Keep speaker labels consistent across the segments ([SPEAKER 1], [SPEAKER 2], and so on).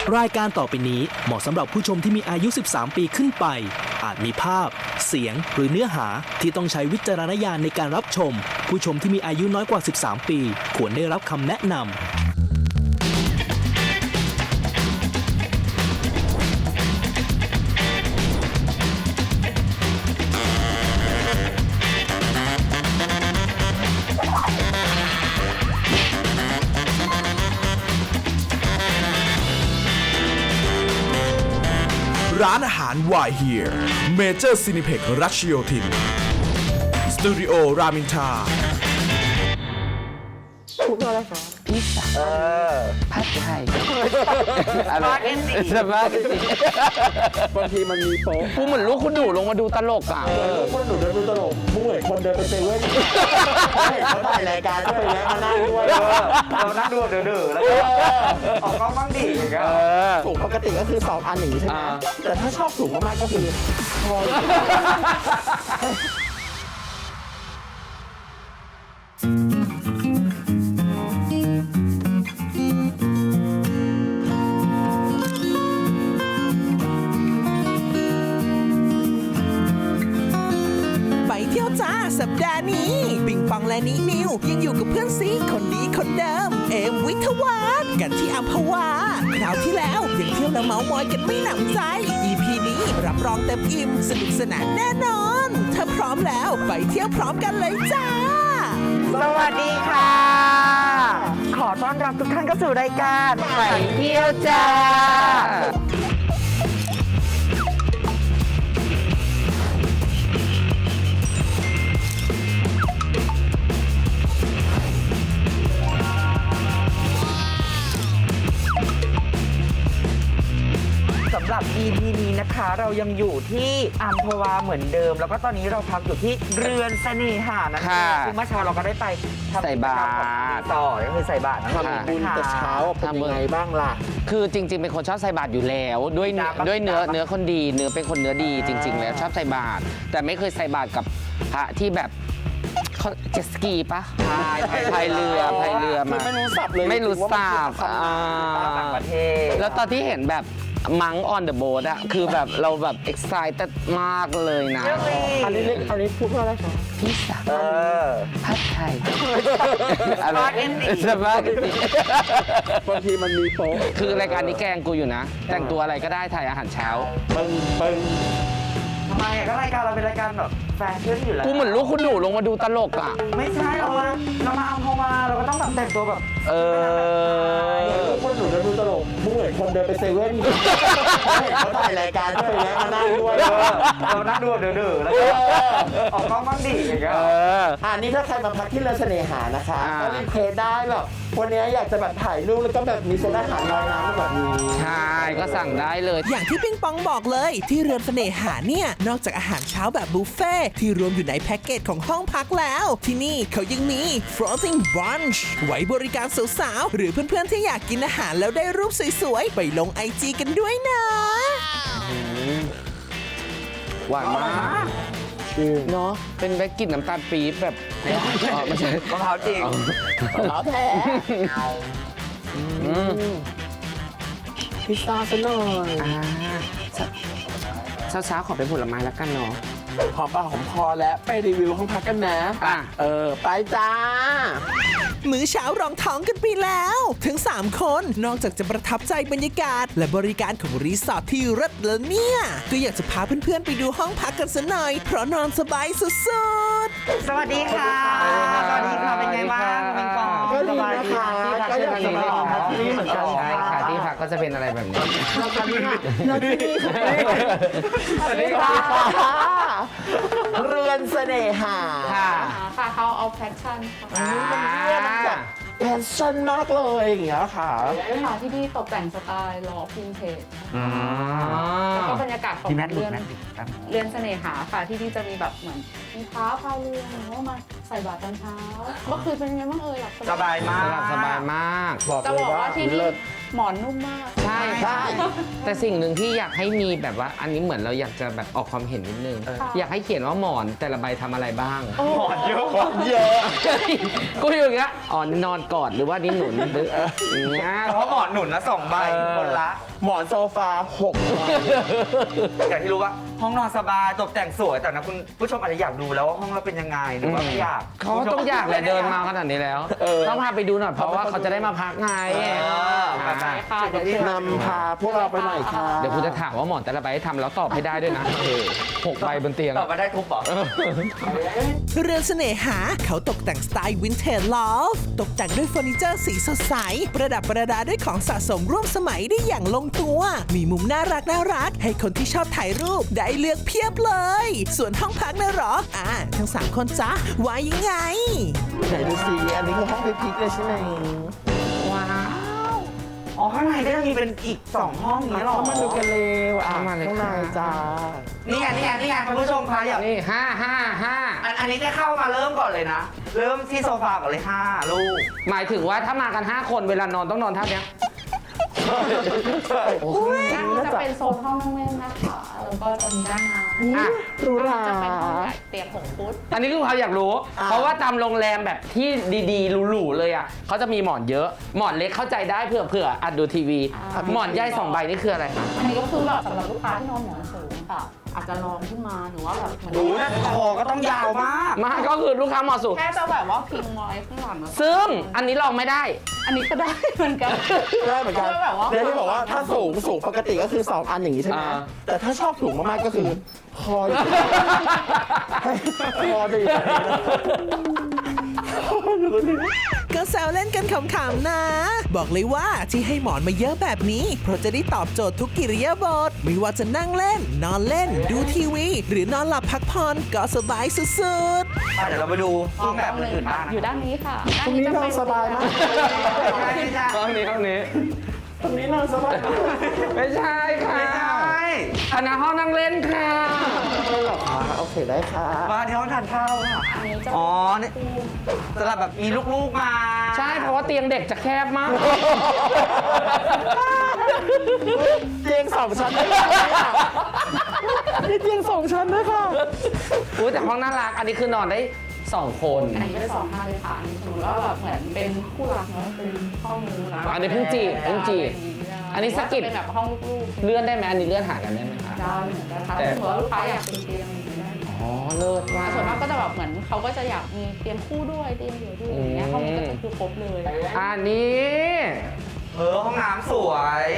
[SPEAKER 1] รายการต่อไปนี้เหมาะสำหรับผู้ชมที่มีอายุ 13 ปีขึ้นไป อาจมีภาพ เสียง หรือเนื้อหาที่ต้องใช้วิจารณญาณในการรับชม ผู้ชมที่มีอายุน้อยกว่า 13 ปี ควรได้รับคำแนะนำ
[SPEAKER 2] ร้านอาหาร Why Here Major Cineplex รัชโยธินสตูดิโอรามินทรา
[SPEAKER 3] พูดว่าอะไรคะพิซซ่าผัดไทยสปาเกตตี้
[SPEAKER 4] บางทีมันมีโป๊ะ
[SPEAKER 3] กูเหมือนลูกคุณหนูลงมาดูตลกอ่ะ
[SPEAKER 4] คนหนูเดินดูตลกมึงเหมือนคนเดินไปเซเว่นเขาถ่ายรายการก็ไปแล้วมานั่งด้วยเรานั่งดูเดือๆแล้วก็ออกกล้องบ้างดิอย่างเงี้ยถุงปกติก็คือ2 อันอย่างนี้ใช่ไหมแต่ถ้าชอบถุงมากๆก็คือพอ
[SPEAKER 5] เที่ยวจ้าสัปดาห์นี้ปิงปองและนินิวยังอยู่กับเพื่อนซีคนดีคนเดิมเอมวิทวาฒน์กันที่อัมพวาคราวที่แล้วยังเที่ยวและเมาท์มอยกันไม่หนำใจ EP นี้รับรองเต็มอิ่มสนุกสนานแน่นอนถ้าพร้อมแล้วไปเที่ยวพร้อมกันเลยจ้า
[SPEAKER 3] สวัสดีค่ะ ขอต้อนรับทุกท่านเข้าสู่รายการไปเที่ยวจ้าสำหรับ EP นี้นะคะเรายังอยู่ที่อัมพวาเหมือนเดิมแล้วก็ตอนนี้เราพักอยู่ที่เรือนเสน่หานะคะซึ่งเมื่อเช้าเราก็ได้ไปใส่บาตรต่อก็คือใส่บาตรนะคะ
[SPEAKER 4] บุญแต่เช้าเป็นยังไงบ้างล่ะ
[SPEAKER 6] คือจริงๆเป็นคนชอบใส่บาตรอยู่แล้วด้วยเนื้อคนดีเนื้อเป็นคนเนื้อดีจริง ๆ แล้วชอบใส่บาตรแต่ไม่เคยใส่บาตรกับพระที่แบบเขาเจ็ตสกีปะพายเรือมา
[SPEAKER 4] ไม่รู้สับเลย
[SPEAKER 6] ไม่รู้สับ
[SPEAKER 3] ต่างประเทศ
[SPEAKER 6] แล้วตอนที่เห็นแบบมัง on the boat อะคือแบบเราแบบ excited มากเลยนะ
[SPEAKER 4] อันนี้พูดว่าอะไรคะ
[SPEAKER 6] พิซซ่าผัดไทย
[SPEAKER 3] สปาเกตตี้
[SPEAKER 4] บางทีมันมีโป๊ะ
[SPEAKER 6] คือรายการนี้แกล้งกูอยู่นะ แต่งตัวอะไรก็ได้ถ่ายอาหารเช้า
[SPEAKER 4] ปึ้ง
[SPEAKER 3] ทำไมก็รายการเราเป็นรายการแบบแฟชั่นอยู่แล้ว
[SPEAKER 6] กูเหมือนลูกคุณหนูลงมาดูตลกอ่ะ
[SPEAKER 3] ไม่ใช่เรามาเอาเข้ามาเราก็ต้องแบบแต่งตัวแบบ
[SPEAKER 4] คนหนูเดินดูตลกมึงเหมือนคนเดินไปเซเว่นเขาถ่ายรายการก็ไปแล้วมานั่งด้วย
[SPEAKER 3] เรานั่งดูเดือๆแล้วก็ออกกล้องบ้างดิอย่างเงี้ย
[SPEAKER 4] นี่ถ้าใครมาพักที่เรือนเสน่หานะคะก็รีเควสได้แบบวันนี้อยากจะแบบถ่ายรูปแล้วก็แบบมีเซตอาหารลอยน้ำแบบนี้
[SPEAKER 6] ใช่ก็สั่งได้เลย
[SPEAKER 5] อย่างที่ปิงปองบอกเลยที่เรือนเสน่หาเนี่ยนอกจากอาหารเช้าแบบบุฟเฟ่ที่รวมอยู่ในแพ็กเกจของห้องพักแล้วที่นี่เขายังมี floating brunch ไว้บริการสาวๆหรือเพื่อนๆที่อยากกินอาหารแล้วได้รูปสวยๆไปลง IG กันด้วยนะ
[SPEAKER 6] หวานมากเนาะเป็นแบกกลิ่นน้ำตาลปี๊บแบบไม่ใช่
[SPEAKER 3] มะพร้าวจริง
[SPEAKER 4] มะพร้าวแท้พิซซ่าซะหน่อย
[SPEAKER 6] เช้าๆขอเป็นผลไม้แล้วกันเนาะ
[SPEAKER 4] หอมปากหอมคอแล้วไปรีวิวห้องพักกันนะไปจ้า
[SPEAKER 5] มื้อเช้ารองท้องกันไปแล้วทั้ง3คนนอกจากจะประทับใจบรรยากาศและบริการของรีสอร์ทที่เลิศแล้วเนี่ยก็อยากจะพาเพื่อนๆไปดูห้องพักกันสักหน่อยเพราะนอนสบายสุด
[SPEAKER 3] ๆสวัสดีค่ะสวัสดีค่ะเป็นไงบ้างเป็นปอง
[SPEAKER 4] ก็ดีนะคะก็อยากจะมาห้องพักที่นี่เหมือนกัน
[SPEAKER 6] ใช่ค่ะที่พักก็จะเป็นอะไรแบบนี้
[SPEAKER 4] สวัสดีค่ะเรือนเสน่หา
[SPEAKER 6] ค่ะ
[SPEAKER 7] เขาเอาแฟชั่น
[SPEAKER 4] แบบแฟชั่นมากเลยอย่างเงี้ยค่ะ
[SPEAKER 7] ที่นี่ตกแต่งสไตล์ล้อพินเทจแล้วก็บรรยากาศของเรือนเสน่หาค่ะที่นี่จะมีแบบเหมือนมีพายเรือแล้วก็มาใส่บาตรตอนเช้าเมื่อคืนเป็นยังไงบ้างหลับ
[SPEAKER 3] สบายมาก
[SPEAKER 6] สบายมาก
[SPEAKER 7] จะบอกว่าที่นี่หมอนนุ่มมาก
[SPEAKER 6] ใช่ใช่แต่สิ่งหนึ่งที่อยากให้มีแบบว่าอันนี้เหมือนเราอยากจะแบบออกความเห็นนิดนึง อยากให้เขียนว่าหมอนแต่ละใบทำอะไรบ้าง
[SPEAKER 3] หมอนเยอะ
[SPEAKER 4] เยอะ
[SPEAKER 6] กูอยู่อย่างเงี้ยอ๋อนอนกอดหรือว่านี่หนุนหรืออย่างเงี้ย
[SPEAKER 3] เพราะหมอนหนุนละ2 ใบคนละ
[SPEAKER 4] หมอนโซฟา6 ใบ
[SPEAKER 3] อย่างที่รู้ว่าห้องนอนสบายตกแต่งสวยแต่นะคุณผู้ชมอาจจะอยากดูแล้วว่าห้องเราเป็นยังไงหรือว่าไม่อยาก
[SPEAKER 6] เขาต้องอยากแหละเดินมาขนาดนี้แล้ว ต้องพาไปดูหน่อยเพราะว่าเขาจะได้มาพักไง
[SPEAKER 3] ไป
[SPEAKER 7] ค่ะเดี๋ยวเชิญ
[SPEAKER 4] นำพาพวกเราไปหน่อยค่ะ
[SPEAKER 6] เดี๋ยวคุณจะถามว่าหมอนแต่ละใบให้ทำแล้วตอบให้ได้ด้วยนะ6 ใบบนเตียง
[SPEAKER 3] ตอบมาได้ทุกบอก
[SPEAKER 5] เรือนเสน่หาเขาตกแต่งสไตล์วินเทจลอฟตกแต่งด้วยเฟอร์นิเจอร์สีสดใส ประดับประดาด้วยของสะสมร่วมสมัยได้อย่างลงตัว มีมุมน่ารักให้คนที่ชอบถ่ายรูปได้เลือกเพียบเลย ส่วนห้องพักนะเหรอทั้ง 3 คนจ๊ะว่ายังไง
[SPEAKER 4] ไหนดูสิอันนี้คือห้องพิกๆเลยใช่ไหม
[SPEAKER 6] ว้าว
[SPEAKER 3] อ๋อข้างในก็จะมีเป็นอีก2 ห้องนี้หรอ
[SPEAKER 4] เข้ามาดูกันเร็ว
[SPEAKER 6] เข้ามาเลย
[SPEAKER 4] ข้างใน
[SPEAKER 6] ค่ะ
[SPEAKER 4] จ้า
[SPEAKER 3] นี่ไงคุณผู้ชมคะอยาก
[SPEAKER 6] นี่5
[SPEAKER 3] อันนี้จะเข้ามาเริ่มก่อนเลยนะ เริ่มที่โซฟาก่อนเลย5 ลูก
[SPEAKER 6] หมายถึงว่าถ้ามากัน 5 คนเวลานอนต้องนอนท่าเนี้ย
[SPEAKER 7] ด้านนี้จะเป็นโซนห้องนั่งเล่นนะคะ แล้วก็จะมีด้านน้ำ
[SPEAKER 6] อ่ะ
[SPEAKER 4] ดูหรา
[SPEAKER 7] จะเป็นห้องใหญ่เตียง6 ฟุต
[SPEAKER 6] อันนี้ลูกค้าอยากรู้ เพราะว่าตามโรงแรมแบบที่ดีๆหรูๆเลยอ่ะเขาจะมีหมอนเยอะ หมอนเล็กเข้าใจได้เผื่ออัดดูทีวี หมอนใหญ่2 ใบนี่คืออะไรคะ
[SPEAKER 7] อันนี้ก็คือแบบสำหรับลูกค้าที่นอนหมอนสูงค่ะ อาจจะลองขึ้นมาหรือว่าแบบเหมือน
[SPEAKER 3] ดูนะคอก็ต้องยาวมาก
[SPEAKER 6] มาก็คือลูกค้าเหมาะสุด
[SPEAKER 7] แค่จะแบบว่าพิงไว้ข้างหลังแล้ว
[SPEAKER 6] ซึ่งอันนี้ลองไม่ได้
[SPEAKER 7] อันนี้ก็ได้เหมือนกัน
[SPEAKER 4] ได้เหมือนกัน
[SPEAKER 7] แบบว่า
[SPEAKER 4] เดี๋ยวที่บอกว่าถ้าสูงปกติก็คือ 2 อันอย่างนี้ใช่ไหม
[SPEAKER 6] อ่า
[SPEAKER 4] แต่ถ้าชอบสูงมากๆก็คือคออยู่คอดี
[SPEAKER 5] ก็แซวเล่นกันขำๆนะ บอกเลยว่าที่ให้หมอนมาเยอะแบบนี้ เพราะจะได้ตอบโจทย์ทุกกิริยาบถไม่ว่าจะนั่งเล่น นอนเล่น ดูทีวี หรือนอนหลับพักผ่อนก็สบายสุดๆ
[SPEAKER 3] เดี๋ยวเราไปดูรูปแบบอื่นๆบ้าง
[SPEAKER 7] อยู่ด้านนี้ค่ะ
[SPEAKER 4] ตรงนี้นอนสบายมาก
[SPEAKER 6] ห้องนี้
[SPEAKER 4] ตรงนี้นอนสบายมาก
[SPEAKER 6] ไม่ใช่ค่ะ
[SPEAKER 3] ไม่ใช่
[SPEAKER 6] อันนั้นห้องนั่งเล่นค่ะ
[SPEAKER 4] ไม่หรอกค่ะโอเคได้ค่ะ
[SPEAKER 3] มาที่ห้องทานข้าวค่ะ
[SPEAKER 7] อันนี้จะ
[SPEAKER 3] อ๋อนี่สำหรับแบบมีลูกๆมา
[SPEAKER 6] ใช่เพราะว่าเตียงเด็กจะแคบมาก
[SPEAKER 4] เตียง2 ชั้นได้ไหมอะมีเตียง2 ชั้นด้วยค่ะ
[SPEAKER 6] อุ้ยแต่ห้องน่ารัก อันนี้คือนอนได้2 คน
[SPEAKER 7] อันนี้เป็น2 ท่านเลยค่ะอันนี้สมมติว่าแบบเหมือนเป็นคู่รักเนาะเป็นห้องนู้นนะ
[SPEAKER 6] อันนี้เพิ่งจีบอันนี้สกิป
[SPEAKER 7] เป็นแบบห้องลูกๆ
[SPEAKER 6] เลื่อนได้ไหมอันนี้เลื่อนหากันได้ไหมคะ
[SPEAKER 7] ได้เหมือนกันค่ะ
[SPEAKER 6] แต่
[SPEAKER 7] สมมติว่าลูกค้าอยากเป็นเตียงอย่างนี้ได้
[SPEAKER 6] อ๋อเลิศมาก
[SPEAKER 7] ส่วนมากก็จะแบบเหมือนเขาก็จะอยากมีเตียงคู่ด้วยเตียงเดี่ยวด้วยอย่างเงี้ยห้องนี้ก็จะคือครบเลย
[SPEAKER 6] อันนี้
[SPEAKER 3] ห้องน้ำสวย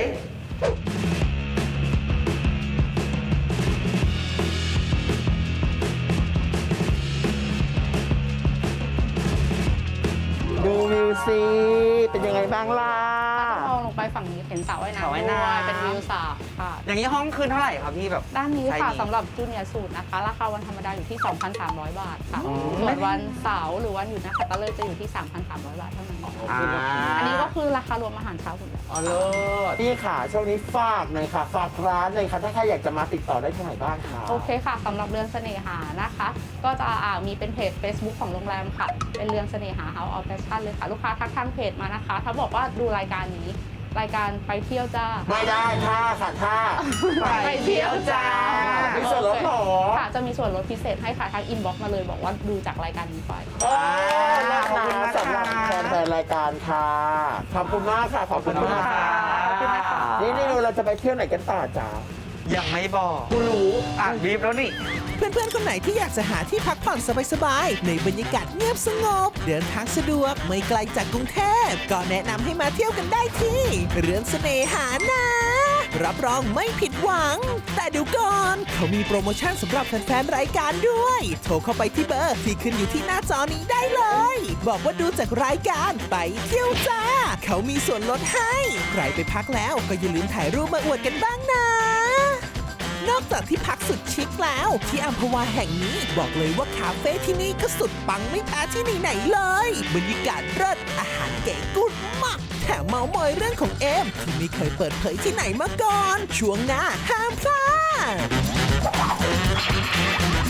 [SPEAKER 4] ดูวิวสิเป็นยังไงบ้างล่ะ
[SPEAKER 7] ถ้ามองลงไปฝั่งนี้เห็นสระว่ายน้ำด้วยเป็นวิวสระค่ะ
[SPEAKER 3] อย่างนี้ห้องคืนเท่าไหร่ครับพี่แบบ
[SPEAKER 7] ด้านนี้
[SPEAKER 3] ใช่
[SPEAKER 7] ค่ะ
[SPEAKER 3] ดี
[SPEAKER 7] สำหรับจูเนียร์สูตรนะคะ ราคาวันธรรมดาอยู่ที่ 2,300 บาทค่ะ ส่วนวันเสาร์หรือวันหยุดนะคะตะเลยจะอยู่ที่ 3,300 บาทเท่านั้น อันนี้ก็คือราคารวมอาหารเช้าหมดแล้ว
[SPEAKER 6] อ๋อเลิศ
[SPEAKER 4] พี่ค่ะช่วงนี้ฝากหน่อยค่ะ ฝากร้านหน่อยค่ะ ถ้าใครอยากจะมาติดต่อได้ที่ไหนบ้างคะ
[SPEAKER 7] โอเคค่ะสำหรับเรือนเสน่หานะคะ ก็จะมีเป็นเพจ Facebook ของโรงแรมค่ะ เป็นเรือนเสน่หา House of Fashion เลยค่ะ ลูกค้าทักทางเพจมานะคะ ถ้าบอกว่าดูรายการนี้ รายการไปเที่ยวจ้า
[SPEAKER 4] ไม่ได้ท่าค่ะท่า
[SPEAKER 7] ไปเที่ยวจ้า
[SPEAKER 4] มีส่วนลดเหรอ
[SPEAKER 7] ค่ะ จะมีส่วนลดพิเศษให้ค่ะทางอินบ็อกซ์มาเลยบอกว่าดูจากรายการนี้ไป
[SPEAKER 4] ขอบคุณนะสำหรับแฟนๆรายการค่ะ ขอบคุณมากค่ะ ขอบคุณมากค่ะ
[SPEAKER 3] ขอบคุณนะคะ
[SPEAKER 4] นี่เราจะไปเที่ยวไหนกันต่อจ้า
[SPEAKER 3] ยังไม่บอกกูรู้อ่านบีบแล้วนี่
[SPEAKER 5] เพื่อนๆ คนไหนที่อยากจะหาที่พักผ่อนสบายๆ ในบรรยากาศเงียบสงบ เดินทางสะดวกไม่ไกลจากกรุงเทพ ก็แนะนำให้มาเที่ยวกันได้ที่ เรือนเสน่หานะ รับรองไม่ผิดหวัง แต่เดี๋ยวก่อน เขามีโปรโมชั่นสำหรับแฟนๆ รายการด้วย โทรเข้าไปที่เบอร์ที่ขึ้นอยู่ที่หน้าจอนี้ได้เลย บอกว่าดูจากรายการไปเที่ยวจ้า เขามีส่วนลดให้ ใครไปพักแล้วก็อย่าลืมถ่ายรูปมาอวดกันบ้างนะ นอกจากที่พักสุดชิคแล้วที่อัมพวาแห่งนี้บอกเลยว่าคาเฟ่ที่นี่ก็สุดปังไม่แพ้ที่ไหนๆเลยบรรยากาศเลิศอาหารเก๋กุดมากแถมเมามอยเรื่องของเอมที่ไม่เคยเปิดเผยที่ไหนมาก่อน ช่วงหน้าห้ามพลาด